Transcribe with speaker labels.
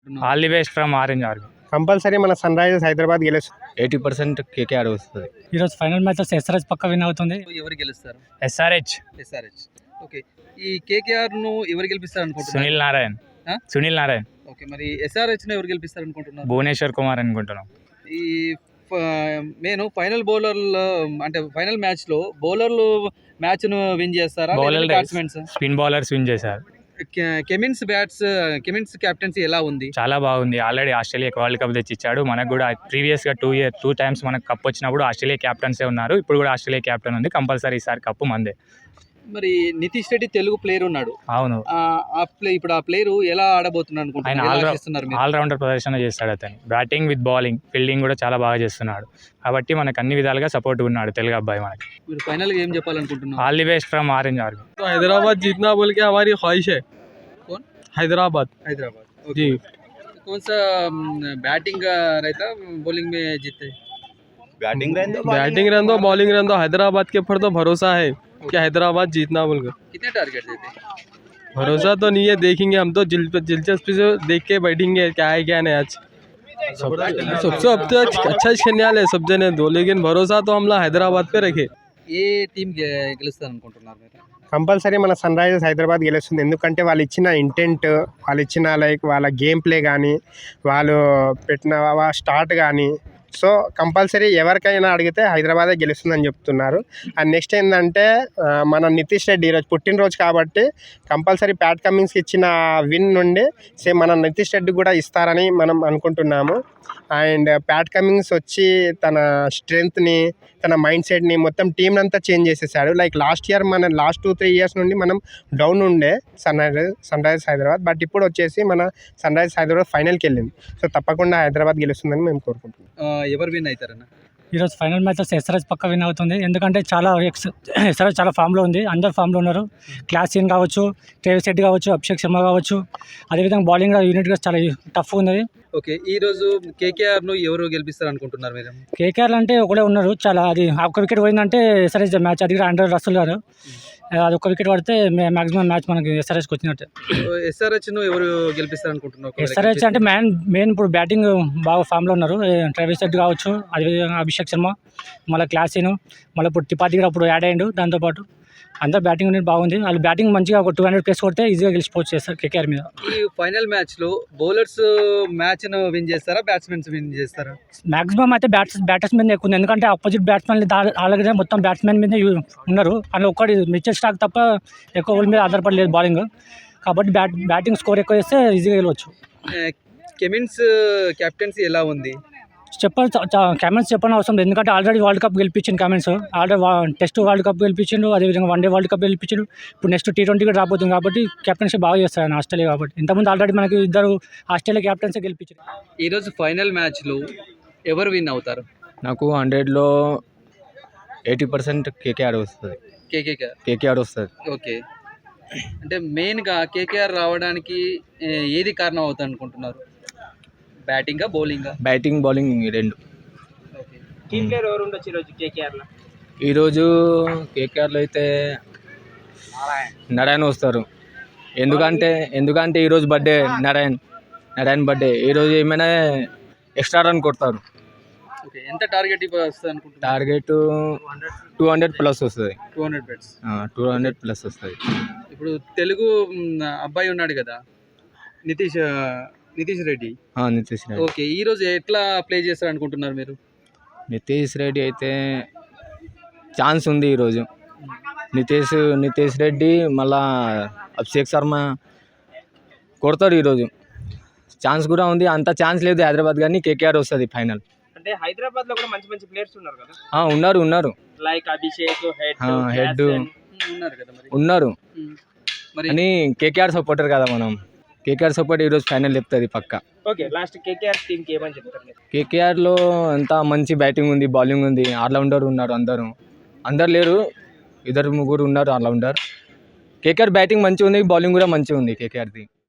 Speaker 1: All the best from orange Army.
Speaker 2: Compulsory మన Sunrisers Hyderabad గెలుస్తుంది.
Speaker 3: 80% KKR వస్తుంది.
Speaker 4: ఈరోజు ఫైనల్ మ్యాచ్ ఎస్ఆర్హెచ్ పక్క విన్ అవుతుంది.
Speaker 5: ఎవరు గెలుస్తారు?
Speaker 1: SRH
Speaker 5: SRH. ఓకే, ఈ కేకేఆర్ ను ఎవరు గెలిపిస్తారు అనుకుంటున్నారు?
Speaker 1: Sunil Narine.
Speaker 5: ఆ?
Speaker 1: Sunil Narine.
Speaker 5: ఓకే, మరి ఎస్ఆర్హెచ్ ను ఎవరు గెలిపిస్తారు అనుకుంటున్నారు?
Speaker 1: భువనేశ్వర్ కుమార్ అనుకుంటున్నాం.
Speaker 5: ఈ నేను ఫైనల్ బౌలర్లు అంటే ఫైనల్ మ్యాచ్ లో బౌలర్లు మ్యాచ్ ను విన్ చేస్తారా?
Speaker 1: Bowler
Speaker 5: batsmens
Speaker 1: spin bowlers win చేశారు.
Speaker 5: కెమిన్స్ కెప్టెన్సీ ఎలా ఉంది?
Speaker 1: చాలా బాగుంది. ఆల్రెడీ ఆస్ట్రేలియాకి వరల్డ్ కప్ తెచ్చిచ్చాడు. మనకు కూడా ప్రీవియస్గా 2 టైమ్స్ మనకు కప్ వచ్చినప్పుడు ఆస్ట్రేలియా క్యాప్టెన్సే ఉన్నారు. ఇప్పుడు కూడా ఆస్ట్రేలియా క్యాప్టెన్ ఉంది. కంపల్సరీ ఈసారి కప్పు మందే.
Speaker 5: మరి నితీష్ రెడ్డి తెలుగు ప్లేయర్ ఉన్నాడు.
Speaker 1: అవును,
Speaker 5: ఇప్పుడు ఆ ప్లేయర్ ఎలా ఆడబోతున్నారు అనుకుంటున్నారు?
Speaker 1: ఆల్రౌండర్ ప్రదర్శన చేస్తాడు అతను. బ్యాటింగ్ విత్ బౌలింగ్, ఫీల్డింగ్ కూడా చాలా బాగా చేస్తున్నాడు. కాబట్టి మనకు అన్ని విధాలుగా సపోర్ట్ ఉన్నాడు తెలుగు అబ్బాయి మనకి.
Speaker 5: మీరు ఫైనల్ ఏం చెప్పాలనుకుంటున్నారు?
Speaker 1: All the best from orange army.
Speaker 6: Hyderabad जीतना बोल के हमारी ख्वाहिश है.
Speaker 5: कौन?
Speaker 6: हैदराबाद.
Speaker 5: जी. कौन सा बैटिंग रहता बॉलिंग में जीते?
Speaker 3: बैटिंग
Speaker 6: रहने दो बॉलिंग रहने दो. हैदराबाद के ऊपर तो भरोसा है कि हैदराबाद जीतना बोल कर.
Speaker 5: कितने टारगेट देते?
Speaker 6: भरोसा तो नहीं है, देखेंगे. हम तो दिलचस्पी से देख के बैठेंगे क्या है क्या नहीं. आज सबसे अब तो अच्छा खेलने वाले सब जने दो, लेकिन भरोसा तो हम लोग हैदराबाद पे रखे.
Speaker 5: ఏ టీం గెలుస్తారు అనుకుంటున్నారు మీరు?
Speaker 2: కంపల్సరీ మన సన్ రైజర్స్ హైదరాబాద్ గెలుస్తుంది. ఎందుకంటే వాళ్ళు ఇచ్చిన ఇంటెంట్, వాళ్ళు ఇచ్చిన వాళ్ళ గేమ్ ప్లే కానీ, వాళ్ళు పెట్టిన స్టార్ట్ కానీ, సో కంపల్సరీ ఎవరికైనా అడిగితే హైదరాబాదే గెలుస్తుందని చెప్తున్నారు. అండ్ నెక్స్ట్ ఏంటంటే మన నితీష్ రెడ్డి ఈరోజు పుట్టినరోజు కాబట్టి కంపల్సరీ ప్యాట్ కమిన్స్కి ఇచ్చిన విన్ నుండి సేమ్ మన నితీష్ రెడ్డి కూడా ఇస్తారని మనం అనుకుంటున్నాము. అండ్ ప్యాట్ కమిన్స్ వచ్చి తన స్ట్రెంగ్త్ని, తన మైండ్ సెట్ని, మొత్తం టీం అంతా చేంజ్ చేసేసాడు. లైక్ లాస్ట్ ఇయర్ మన లాస్ట్ 2-3 ఇయర్స్ నుండి మనం డౌన్ ఉండే సన్ రైజర్స్ హైదరాబాద్. బట్ ఇప్పుడు వచ్చేసి మన సన్ రైజర్స్ హైదరాబాద్ ఫైనల్కి వెళ్ళింది. సో తప్పకుండా హైదరాబాద్ గెలుస్తుందని మేము కోరుకుంటున్నాం.
Speaker 5: ఎవరు విన్ అవుతారన్న?
Speaker 4: ఈరోజు ఫైనల్ మ్యాచ్ ఎస్ఆర్హెచ్ పక్క విన్ అవుతుంది. ఎందుకంటే ఎస్ఆర్హెచ్ చాలా ఫామ్లో ఉంది. అందరు ఫామ్లో ఉన్నారు. క్లాసిన్ కావచ్చు, ట్రేవిస్ హెడ్ కావచ్చు, అభిషేక్ శర్మ కావచ్చు. అదేవిధంగా బౌలింగ్ యూనిట్గా చాలా టఫ్ ఉంది.
Speaker 5: ఓకే, ఈ రోజు కేకేఆర్ ను ఎవరు గెలిపిస్తారు అనుకుంటున్నారు మీరు?
Speaker 4: కేకేఆర్ అంటే ఒకటే ఉన్నారు. చాలా అది ఒక వికెట్ పోయిందంటే ఎస్ఆర్హెచ్ మ్యాచ్. అది కూడా అండర్ రసూల్ గారు, అది ఒక వికెట్ పడితే మాక్సిమం మ్యాచ్ మనకి ఎస్ఆర్హెచ్కి వచ్చినట్టే.
Speaker 5: ఎస్ఆర్హెచ్ ను ఎవరు గెలిపిస్తారు అనుకుంటున్నారు?
Speaker 4: ఎస్ఆర్హెచ్ అంటే మెయిన్ ఇప్పుడు బ్యాటింగ్ బాగా ఫామ్లో ఉన్నారు. ట్రేవిస్ హెడ్ కావచ్చు, అదేవిధంగా అభిషేక్ శర్మ, మళ్ళీ క్లాసిన్, మళ్ళీ ఇప్పుడు టిపాతి కూడా అప్పుడు యాడ్ అయ్యిండు. దాంతోపాటు అందరూ బ్యాటింగ్ అనేది బాగుంది. వాళ్ళు బ్యాటింగ్ మంచిగా ఒక 200+ కొడితే ఈజీగా గెలిచిపోవచ్చు చేస్తారు కేకేఆర్ మీద.
Speaker 5: ఈ ఫైనల్ మ్యాచ్ లో బౌలర్స్ మ్యాచ్ ను విన్ చేస్తారా, బ్యాట్స్మెన్స్ విన్ చేస్తారా?
Speaker 4: మాక్సిమం అయితే బ్యాటర్స్ మీద ఎక్కువ ఉంది. ఎందుకంటే ఆపోజిట్ బ్యాట్స్మెన్ అలాగే మొత్తం బ్యాట్స్మెన్ మీద ఉన్నారు. అందులో ఒక్కటి మిచెల్ స్టార్క్ తప్ప ఎక్కువ వాళ్ళ మీద ఆధారపడలేదు బౌలింగ్. కాబట్టి బ్యాటింగ్ స్కోర్ ఎక్కువ చేస్తే ఈజీగా గెలవచ్చు.
Speaker 5: కెమిన్స్ కెప్టెన్సీ ఎలా ఉంది?
Speaker 4: కామెంట్స్ చెప్పని అవసరం లేదు. ఎందుకంటే ఆల్రెడీ వరల్డ్ కప్ గెలిపించింది comments. Already test world cup గెలిపించిండు, అదేవిధంగా వన్డే వరల్డ్ కప్ గెలిపించిండు. ఇప్పుడు నెక్స్ట్ T20 కూడా రాబోతుంది. కాబట్టి కెప్టెన్సీ బాగా చేస్తారు ఆయన ఆస్ట్రేలియా. కాబట్టి ఇంతకుముందు ఆల్రెడీ మనకి 2 ఆస్ట్రేలియా క్యాప్టెన్సీ గెలిపించారు.
Speaker 5: ఈరోజు ఫైనల్ మ్యాచ్లో ఎవరు విన్ అవుతారు?
Speaker 3: నాకు 100లో 80% కేకేఆర్ వస్తుంది. కేకేఆర్ వస్తుంది.
Speaker 5: ఓకే, అంటే మెయిన్గా కేకేఆర్ రావడానికి ఏది కారణం అవుతుంది అనుకుంటున్నారు? బ్యాటింగా బౌలింగా?
Speaker 3: బ్యాటింగ్ బౌలింగ్ రెండు.
Speaker 5: టీమ్ ప్లేయర్ ఎవరు ఉండొచ్చు ఈరోజు కేకేఆర్లో?
Speaker 3: ఈరోజు కేకేఆర్లో అయితే నారాయణ వస్తారు. ఎందుకంటే ఈరోజు బర్త్డే నారాయణ బర్త్డే. ఈరోజు ఏమైనా ఎక్స్ట్రా రన్ కొడతారు.
Speaker 5: ఓకే, ఎంత టార్గెట్ వస్తుంది అనుకుంటున్నారు?
Speaker 3: టార్గెట్ 200+ వస్తుంది.
Speaker 5: 200+?
Speaker 3: వస్తుంది.
Speaker 5: ఇప్పుడు తెలుగు అబ్బాయి ఉన్నాడు కదా, నితీష్ రెడ్డి. ఓకే, ఈ రోజు ఎట్లా ప్లే చేస్తారు అనుకుంటున్నారు మీరు?
Speaker 3: నితీష్ రెడ్డి అయితే ఛాన్స్ ఉంది ఈరోజు. నితీష్ రెడ్డి మళ్ళా అభిషేక్ శర్మ కొడతారు ఈరోజు. ఛాన్స్ కూడా ఉంది. అంత ఛాన్స్ లేదు హైదరాబాద్, కానీ కేకేఆర్ వస్తుంది ఫైనల్.
Speaker 5: అంటే హైదరాబాద్ లో కూడా మంచి ప్లేయర్స్ ఉన్నారు కదా?
Speaker 3: ఉన్నారు.
Speaker 5: లైక్ అభిషేక్
Speaker 3: హెడ్
Speaker 5: ఉన్నారు కదా.
Speaker 3: ఉన్నారు అని కేకేఆర్ సపోర్టర్ కదా మనం. కేకేఆర్ సపోర్ట్ ఈరోజు ఫైనల్ చెప్తుంది పక్కా.
Speaker 5: ఓకే, లాస్ట్ కేకేఆర్ టీంకి ఏమని చెప్తారు?
Speaker 3: కేకేఆర్లో అంతా మంచి బ్యాటింగ్ ఉంది, బౌలింగ్ ఉంది, ఆల్రౌండర్ ఉన్నారు. అందరు లేరు, 2-3 ఉన్నారు ఆల్రౌండర్. కేకేఆర్ బ్యాటింగ్ మంచిగా ఉంది, బౌలింగ్ కూడా మంచిగా ఉంది కేకేఆర్ది.